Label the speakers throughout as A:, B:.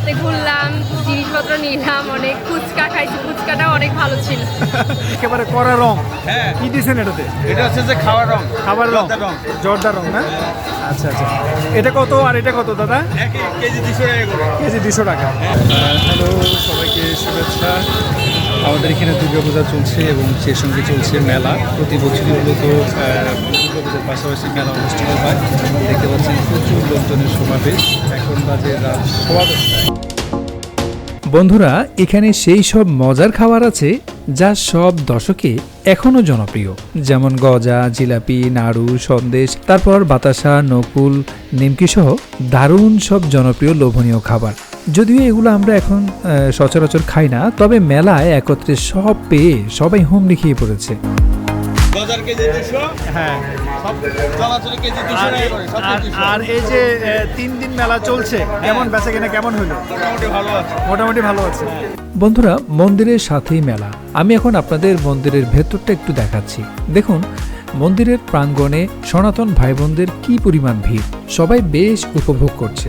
A: মেলাতে ঘুরলাম, জিনিসপত্র নিলাম, অনেক ফুচকা খাইছি, ফুচকাটাও অনেক ভালো ছিল।
B: একেবারে কড়া রং।
C: হ্যাঁ,
B: কি দিয়েছেন এটাতে?
C: এটা হচ্ছে যে খাওয়ার রং,
B: খাবার রং,
C: জর্দার রং।
B: জর্দার রং না? আচ্ছা আচ্ছা, এটা কত আর এটা কত দাদা?
C: এক কেজি 200 টাকা করে।
B: কেজি 200 টাকা। হ্যালো, সবাইকে শুভেচ্ছা। আমাদের এখানে দুর্গাপূজা চলছে এবং সেই সঙ্গে চলছে মেলা। প্রতি বছরই মূলত দুর্গাপূজার পাশাপাশি মেলা অনুষ্ঠিত হয়। দেখতে পাচ্ছেন প্রচুর লোকজনের সমাবেশ। এখন বাজে রাত 10:15। বন্ধুরা, এখানে সেই সব মজার খাবার আছে যা সব দশকে এখনো জনপ্রিয়, যেমন গজা, জিলাপি, নাড়ু, সন্দেশ, তারপর বাতাসা, নকুল, নিমকি সহ দারুণ সব জনপ্রিয় লোভনীয় খাবার। যদিও এগুলো আমরা এখন সচরাচর খাই না, তবে মেলায় একত্রে সব পেয়ে সবাই হুমড়ি খেয়ে পড়েছে।
C: গজার কেজি 200,
B: হ্যাঁ,
C: সব চলাচলে কেজি 200 টাকা করে, সব 200।
B: আর এই যে 3 দিন মেলা চলছে, কেমন বেচা কেনা কেমন হলো?
C: মোটামুটি ভালো আছে।
B: মোটামুটি ভালো আছে। বন্ধুরা, মন্দিরের সাথেই মেলা। আমি এখন আপনাদের মন্দিরের ভেতরটা একটু দেখাচ্ছি। দেখুন, মন্দিরের প্রাঙ্গণে সনাতন ভাই বোনদের কি পরিমাণ ভিড়, সবাই বেশ উপভোগ করছে।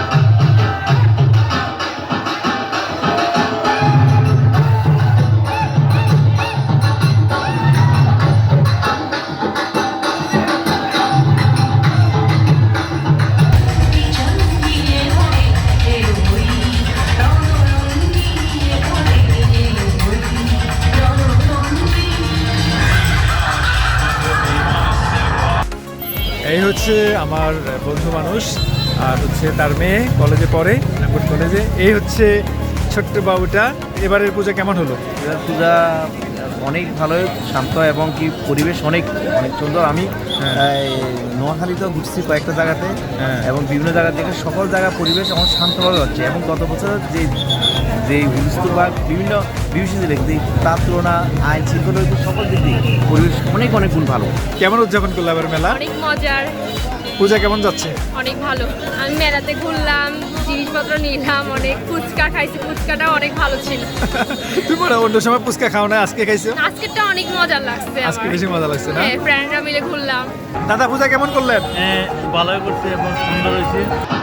B: এই হচ্ছে আমার বন্ধু মানুষ, আর হচ্ছে তার মেয়ে কলেজে পড়ে, নাগপুর কলেজে। এই হচ্ছে ছোট্ট বাবুটা। এবারের পূজা কেমন হলো?
D: এবার পূজা অনেক ভালো, শান্ত এবং কি পরিবেশ অনেক অনেক সুন্দর। আমি নোয়াখালীতেও ঘুরছি কয়েকটা জায়গাতে, এবং বিভিন্ন জায়গা থেকে সকল জায়গা পরিবেশ আমার শান্তভাবে হচ্ছে। এবং গত বছর যে হুলস্থুল বা বিভিন্ন বিভীষিত দেখতে, তার তুলনা আইন শৃঙ্খলা সকল দিক দিয়ে পরিবেশ অনেক অনেক গুণ ভালো।
B: কেমন উদযাপন করলো এবার মেলা?
A: অনেক মজার,
B: পূজা কেমন যাচ্ছে?
A: অনেক ভালো। আমি মেলাতে ঘুরলাম, জিনিসপত্র নিলাম, অনেক ফুচকা খাইছি, ফুচকাটাও অনেক ভালো ছিল।
B: তুমি মনে হয় অন্য সময় ফুচকা খাও না, আজকে খাইছো?
A: আজকেরটা অনেক মজা লাগছে
B: আজকে
A: আমার।
B: বেশি মজা লাগছে না?
A: হ্যাঁ, ফ্রেন্ডরা মিলে ঘুরলাম।
B: দাদা, পূজা কেমন করলেন?
D: ভালোই করছে এবং সুন্দর হয়েছে।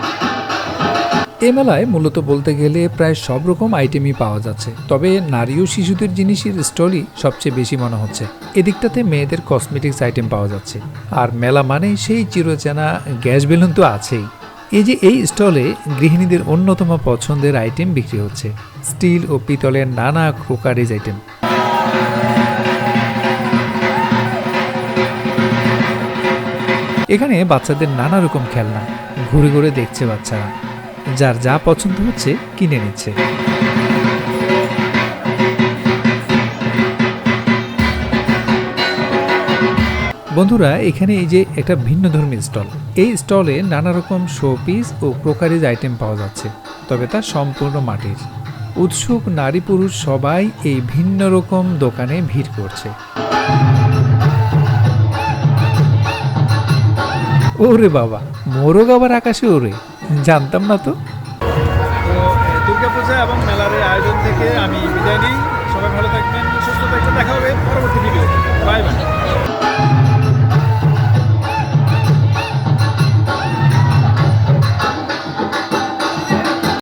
B: এ মেলায় মূলত বলতে গেলে প্রায় সব রকম আইটেমই পাওয়া যাচ্ছে, তবে নারী ও শিশুদের জিনিসের স্টলই সবচেয়ে বেশি মনে হচ্ছে। এদিকটাতে মেয়েদের কসমেটিক্স আইটেম পাওয়া যাচ্ছে, আর মেলা মানে সেই চিরচেনা গ্যাস বেলুন তো আছেই। এই যে এই স্টলে গৃহিণীদের অন্যতম পছন্দের আইটেম বিক্রি হচ্ছে, স্টিল ও পিতলের নানা ক্রোকারিজ আইটেম। এখানে বাচ্চাদের নানা রকম খেলনা ঘুরে ঘুরে দেখছে বাচ্চারা, যার যা পছন্দ হচ্ছে কিনে নিচ্ছে। বন্ধুরা, এখানে এই যে একটা ভিন্ন ধর্মী স্টল, এই স্টলে নানা রকম শোপিস ও ক্রোকারিজ আইটেম পাওয়া যাচ্ছে, তবে তা সম্পূর্ণ মাটির। উৎসুক নারী পুরুষ সবাই এই ভিন্ন রকম দোকানে ভিড় করছে। ওরে বাবা, মোরগ আবার আকাশে ওরে, জানতাম না তো। দুর্গাপূজা এবং মেলার আয়োজন থেকে আমি বিদায় নিই। সবাই ভালো থাকবেন।